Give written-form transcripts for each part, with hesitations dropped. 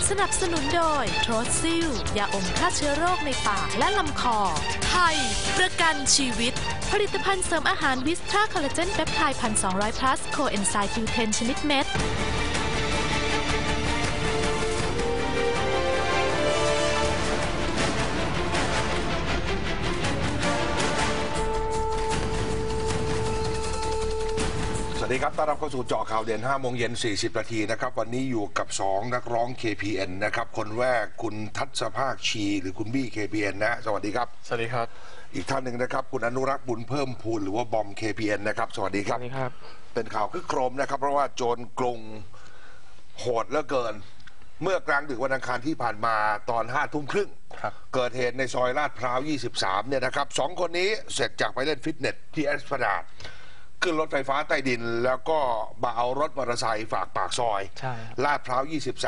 สนับสนุนโดยโทรซิลยาอมฆ่าเชื้อโรคในปากและลำคอไทยประกันชีวิตผลิตภัณฑ์เสริมอาหารวิสตราคอลลาเจนเปปไทด์1,200 plus โคเอนไซม์ Q10 ชนิดเม็ดสวัสดีครับต้อนรับเข้าสู่เจาะข่าวเด่น5 โมงเย็น 40 นาทีนะครับวันนี้อยู่กับ2นักร้อง KPN นะครับคนแรกคุณทัศภาคชีหรือคุณบี้ KPN นะสวัสดีครับสวัสดีครับอีกท่านหนึ่งนะครับคุณอนุรักษ์บุญเพิ่มพูนหรือว่าบอม KPN นะครับสวัสดีครับสวัสดีครับเป็นข่าวคึกโครมนะครับเพราะว่าโจรกรุงโหดเหลือเกินเมื่อกลางดึกวันอังคารที่ผ่านมาตอน5 ทุ่มครึ่งเกิดเหตุในซอยลาดพร้าว 23 เนี่ยนะครับ2 คนนี้เสร็จจากไปเล่นฟิตเนสที่แอสพลาดขึ้นรถไฟฟ้าใต้ดินแล้วก็มาเอารถมอเตอร์ไซค์ฝากปากซอยลาดพร้าว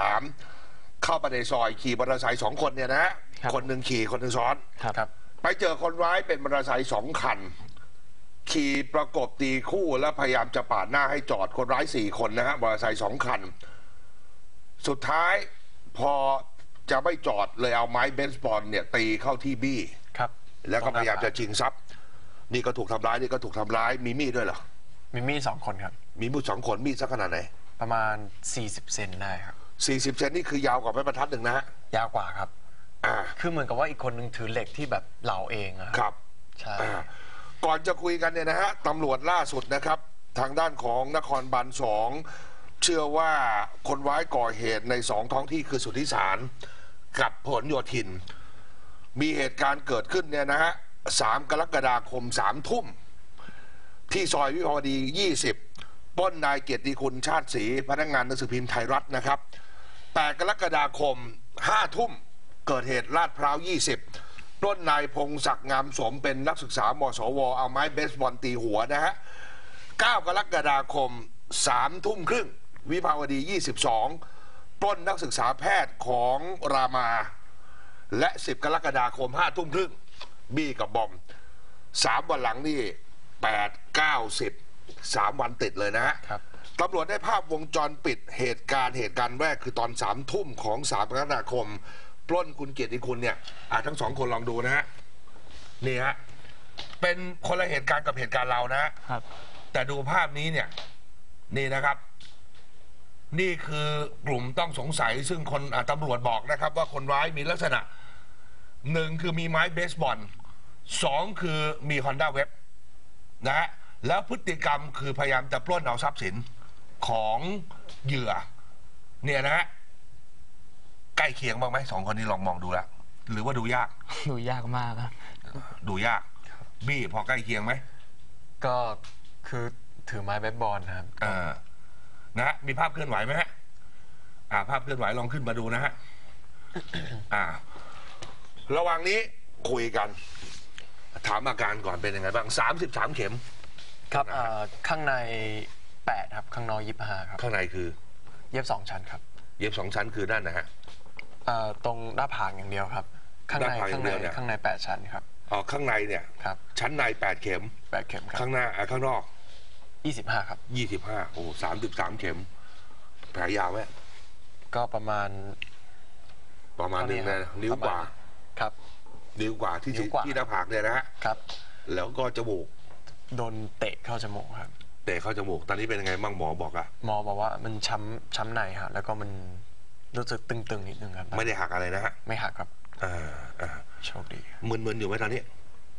23 เข้าไปในซอยขี่มอเตอร์ไซค์2 คนเนี่ยนะคนหนึ่งขี่คนหนึ่งซ้อนไปเจอคนร้ายเป็นมอเตอร์ไซค์2 คันขี่ประกบตีคู่แล้วพยายามจะปาดหน้าให้จอดคนร้าย4 คนนะฮะมอเตอร์ไซค์2 คันสุดท้ายพอจะไม่จอดเลยเอาไม้เบสบอลเนี่ยตีเข้าที่บี้แล้วก็พยายามจะชิงทรัพย์นี่ก็ถูกทำร้ายนี่ก็ถูกทำร้ายมีมีดด้วยเหรอมีมีด2 คนครับมีมีด2 คนมีดสักขนาดไหนประมาณ40 เซนได้ครับ 40 เซนนี่คือยาวกว่าไม้บรรทัดหนึ่งนะฮะยาวกว่าครับคือเหมือนกับว่าอีกคนนึงถือเหล็กที่แบบเหลาเองครับใช่ก่อนจะคุยกันเนี่ยนะฮะตำรวจล่าสุดนะครับทางด้านของนครบาล2เชื่อว่าคนร้ายก่อเหตุใน2 ท้องที่คือสุทธิสารกับผลโยธินมีเหตุการณ์เกิดขึ้นเนี่ยนะฮะ3 กรกฎาคม 3 ทุ่มที่ซอยวิภาวดี 20 ปล้นนายเกียรติคุณชาติศรีพนักงานหนังสือพิมพ์ไทยรัฐนะครับ8 กรกฎาคม 5 ทุ่มเกิดเหตุลาดพร้าว 20 ปล้นนายพงศักดิ์งามสมเป็นนักศึกษามสวเอาไม้เบสบอลตีหัวนะฮะ9 กรกฎาคม 3 ทุ่มครึ่งวิภาวดี 22 ปล้นนักศึกษาแพทย์ของรามาและ10 กรกฎาคม 5 ทุ่มครึ่งบี้กับบอม3 วันหลังนี่8, 9, 10 3 วันติดเลยนะฮะตำรวจได้ภาพวงจรปิดเหตุการณ์แรกคือตอน 3 ทุ่มของ3 กรกฎาคมปล้นคุณเกียรติคุณเนี่ยทั้ง2 คนลองดูนะฮะนี่ฮะเป็นคนละเหตุการณ์กับเหตุการณ์เรานะแต่ดูภาพนี้เนี่ยนี่นะครับนี่คือกลุ่มต้องสงสัยซึ่งคนตำรวจบอกนะครับว่าคนร้ายมีลักษณะ1คือมีไม้เบสบอล2คือมี Honda Web นะฮะแล้วพฤติกรรมคือพยายามจะปล้นเอาทรัพย์สินของเหยื่อเนี่ยนะฮะใกล้เคียงบ้างไหม2 คนนี้ลองมองดูแล้วหรือว่าดูยากมากครับดูยากบี้พอใกล้เคียงไหมก็คือถือไม้เบสบอลนะครับนะฮะมีภาพเคลื่อนไหวไหมฮะภาพเคลื่อนไหวลองขึ้นมาดูนะฮะระหว่างนี้คุยกันถามอาการก่อนเป็นยังไงบ้าง33 เข็มครับข้างใน8ครับข้างนอก25ครับข้างในคือเย็บ2 ชั้นครับเย็บ2 ชั้นคือด้านนะฮะตรงหน้าผากอย่างเดียวครับข้างใน8 ชั้นครับข้างในเนี่ยครับชั้นใน8 เข็มครับข้างหน้าข้างนอก 25ครับ 25โอ้33 เข็มแผลยาวไหมก็ประมาณนึงนะนิ้วกว่าครับนิ้วกว่าที่หน้าผากเนี่ยนะฮะครับแล้วก็จมูกโดนเตะเข้าจมูกครับเตะเข้าจมูกตอนนี้เป็นยังไงบ้างหมอบอกหมอบอกว่ามันช้ำในฮะแล้วก็มันรู้สึกตึงๆนิดนึงครับไม่ได้หักอะไรนะฮะไม่หักครับโชคดีมึนอยู่ไหมตอนนี้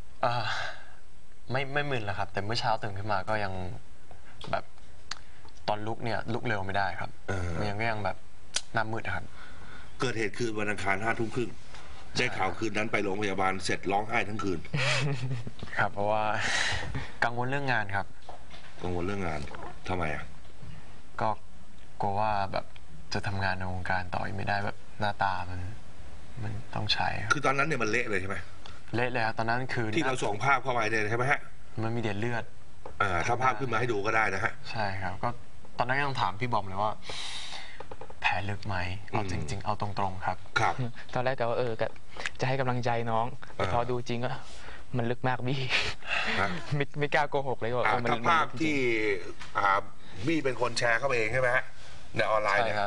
ไม่มึนแล้วครับแต่เมื่อเช้าตื่นขึ้นมาก็ยังแบบตอนลุกเนี่ยลุกเร็วไม่ได้ครับมันยังแบบหน้ามืดครับเกิดเหตุคืนวันอังคาร5 ทุ่มครึ่งได้ข่าวคืนนั้นไปโรงพยาบาลเสร็จร้องไห้ทั้งคืนครับเพราะว่ากังวลเรื่องงานครับกังวลเรื่องงานทำไมก็กลัวว่าแบบจะทำงานในวงการต่อไม่ได้แบบหน้าตามันต้องใช้คือตอนนั้นเนี่ยมันเละเลยใช่ไหมเละเลยครับตอนนั้นคือที่เราส่งภาพเข้าไปเนี่ยใช่ไหมฮะมันมีเดือดถ้าภาพขึ้นมาให้ดูก็ได้นะฮะใช่ครับก็ตอนนั้นยังถามพี่บอมเลยว่าแผลลึกไหมเอาจริงๆเอาตรงๆครับตอนแรกก็ว่าจะให้กำลังใจน้องแต่พอดูจริงก็มันลึกมากบี้ไม่กล้าโกหกเลยว่าถ้าภาพที่บี้เป็นคนแชร์เข้าไปเองใช่ไหมฮะในออนไลน์เนี่ย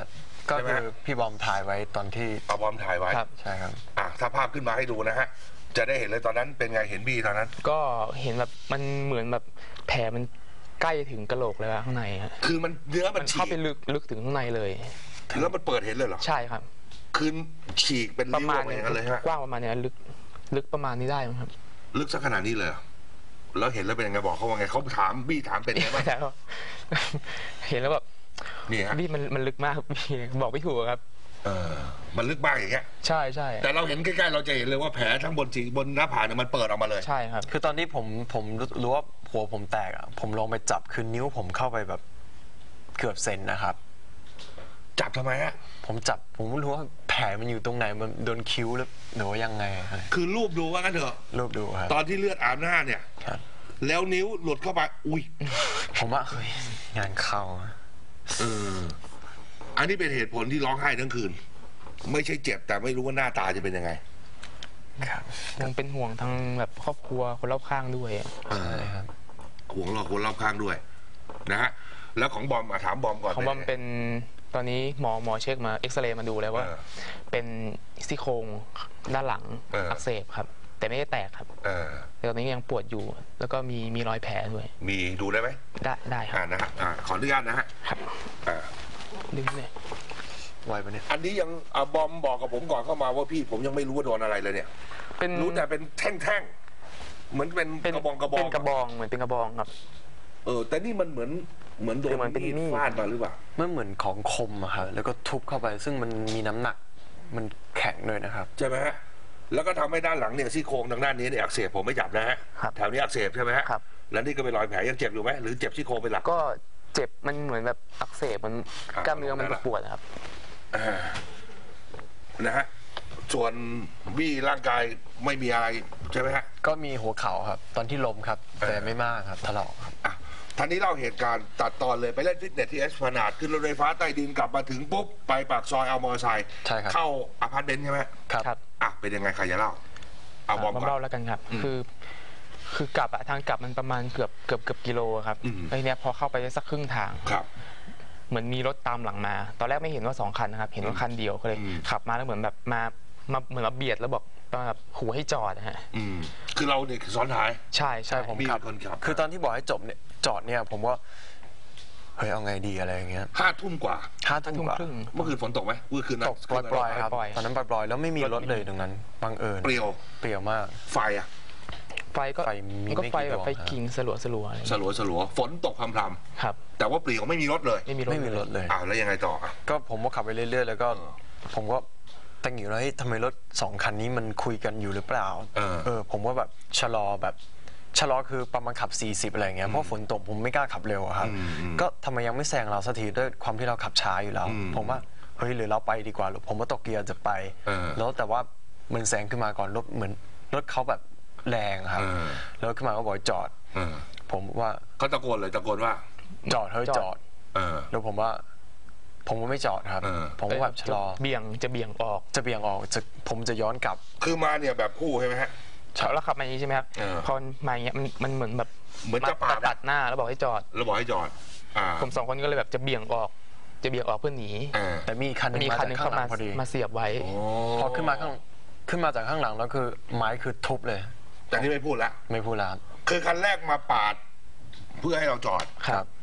ก็ใช่ไหมคือพี่บอมถ่ายไว้ตอนที่เอาบอมถ่ายไว้ครับใช่ครับถ้าภาพขึ้นมาให้ดูนะฮะจะได้เห็นเลยตอนนั้นเป็นไงเห็นบี้ตอนนั้นก็เห็นแบบมันเหมือนแบบแผลมันใกล้ถึงกะโหลกเลยข้างในฮะคือมันเนื้อมัมัน นฉีเข้าก ไปลึกถึงข้างในเลยแล้วมันเปิดเห็นเลยเหรอใช่ครับคือฉีกเป็นประริ้วมาอณอกมาอย่างนั้นเลยฮะกว้างประมาณนี้ลึกประมาณนี้ได้ไหมครับลึกสักขนาดนี้เลยเหรอแล้วเห็นแล้วเป็นยังไงบอกเขาว่าไงเขาถามบี้ถามเป็นไงบ้างแล้ว เห็นแล้วแบบนี่ฮะพี่มันลึกมากครับพี่บอกไม่ถูกครับมันลึกมากอย่างเงี้ยใช่ใช่แต่เราเห็นใกล้ๆเราจะเห็นเลยว่าแผลทั้งบนหน้าผากเนี่ยมันเปิดออกมาเลยใช่ครับคือตอนที่ผมรู้ว่าหัวผมแตกอ่ะผมลงไปจับคือนิ้วผมเข้าไปแบบเกือบเซนนะครับจับทำไมฮะผมไม่รู้ว่าแผลมันอยู่ตรงไหนมันโดนคิ้วหรือว่ายังไงอะไรคือรูปดูว่างั้นเถอะรูปดูครับตอนที่เลือดอาบหน้าเนี่ยครับแล้วนิ้วหลุดเข้าไปอุ้ยผมว่าเฮ้ยงานเข้าอะอันนี้เป็นเหตุผลที่ร้องไห้ทั้งคืน ไม่ใช่เจ็บแต่ไม่รู้ว่าหน้าตาจะเป็นยังไงครับยังเป็นห่วงทั้งแบบครอบครัวคนรอบข้างด้วยใช่ครับห่วงเราคนรอบข้างด้วยนะฮะแล้วของบอมถามบอมก่อนของบอมเป็นตอนนี้หมอเช็คมาเอ็กซเรย์มาดูแล้วว่า เป็นซี่โครงด้านหลังอักเสบครับ แต่ไม่ได้แตกครับแต่ตอนนี้ยังปวดอยู่ แล้วก็มีรอยแผลด้วยมีดูได้ไหมได้ครับนะฮะขออนุญาตนะฮะครับดึงเลยไวปะเนี่ยอันนี้ยังบอมบอกกับผมก่อนเข้ามาว่าพี่ผมยังไม่รู้ว่าโดนอะไรเลยเนี่ยเป็นรู้แต่เป็นแท่งๆเหมือนเป็นกระบองเป็นกระบองเหมือนเป็นกระบองครับแต่นี่มันเหมือนโดนคือมันเป็นมีดมีดฟาดมาหรือเปล่ามันเหมือนของคมอะครับแล้วก็ทุบเข้าไปซึ่งมันมีน้ำหนักมันแข็งด้วยนะครับใช่ไหมฮะแล้วก็ทำให้ด้านหลังเนี่ยซี่โครงทางด้านนี้เนี่ยอักเสบผมไม่จับนะฮะครับแถวนี้อักเสบใช่ไหมฮะครับแล้วนี่ก็เป็นรอยแผลยังเจ็บอยู่ไหมหรือเจ็บซี่โครงเป็นหลักก็เจ็บมันเหมือนแบบอักเสบมันกล้ามเนื้อมันปวดครับนะฮะส่วนบี้ร่างกายไม่มีอะไรใช่ไหมฮะก็มีหัวเข่าครับ ตอนที่ล้มครับ แต่ไม่มากครับถลอกครับท่านนี้เล่าเหตุการณ์ตัดตอนเลยไปเล่นฟิตเนสที่เอสพลานาดขึ้นรถไฟฟ้าใต้ดินกลับมาถึงปุ๊บไปปากซอยเอามอเตอร์ไซค์ใช่ครับเข้าอพาร์ตเมนต์ใช่ไหมครับเป็นยังไงใครจะเล่าเอาบอมก่อนเล่าแล้วกันครับ คือกลับทางกลับมันประมาณเกือบกิโลครับไอ้เนี้ยพอเข้าไปได้สักครึ่งทางครับเหมือนมีรถตามหลังมา ตอนแรกไม่เห็นว่า2 คันนะครับ เห็นว่าคันเดียวก็เลยขับมาแล้วเหมือนแบบมาเหมือนมาเบียดแล้วบอกแบบขู่ให้จอดนะฮะคือเราเนี่ยซ้อนท้ายใช่ใช่ผมบี้ขับเป็นคนขับคือตอนที่บอกให้จอดเนี่ยผมว่าเฮ้ยเอาไงดีอะไรอย่างเงี้ย 5 ทุ่มกว่า 5 ทุ่มกว่าครึ่งเมื่อคืนฝนตกไหมเมื่อคืนนั้นตกปล่อยๆครับปล่อยตอนนั้นปล่อยๆแล้วไม่มีรถเลยตรงนั้นบังเอิญเปรี้ยวเปรี้ยวมากไฟอะไฟก็ไฟมีมันก็ไม่กี่ไฟแบบดวงไฟครับกิ่งสลัวอะไรสลัวฝนตกพรำครับๆแต่ว่าเปลี่ยวไม่มีรถเลยไม่มีรถไม่มีรถเลยแล้วยังไงต่ออ่ะก็ผมก็ขับไปเรื่อยๆแล้วก็ผมก็ตั้งอยู่แล้วเฮ้ยทำไมรถ2 คันนี้มันคุยกันอยู่หรือเปล่าผมว่าแบบชะลอคือประมาณขับ40อะไรอย่างเงี้ยเพราะฝนตกผมไม่กล้าขับเร็วอะครับก็ทำไมยังไม่แซงเราสักทีด้วยความที่เราขับช้าอยู่แล้ว ผมว่าเฮ้ยหรือเราไปดีกว่าหรือผมว่าตกเกียร์จะไปแล้วแต่ว่ามันแซงขึ้นมาก่อนรถเหมือนรถเขาแบบแรงครับแล้วขึ้นมาก็บอกจอดผมว่าเขาตะโกนว่าจอดเฮ้ยจอดแล้วผมว่าไม่จอดครับผมก็แบบชะลอจะเบี่ยงออกผมจะย้อนกลับคือมาเนี่ยแบบคู่ใช่ไหมฮะแล้วขับมาอย่างนี้ใช่ไหมครับพอมาอย่างเงี้ยมันเหมือนแบบเหมือนจะปาดตัดหน้าแล้วบอกให้จอดแล้วบอกให้จอดผม2 คนก็เลยแบบจะเบี่ยงออกเพื่อหนีแต่มีคันหนึงมีมาคันจากหนึงข้าเข้างหลัมางพอดีเสียบไว้พอขึ้นมาจากข้างหลังแล้วคือไม้คือทุบเลยแต่นี่ไม่พูดละไม่พูดแล้วคือคันแรกมาปาดเพื่อให้เราจอดครับ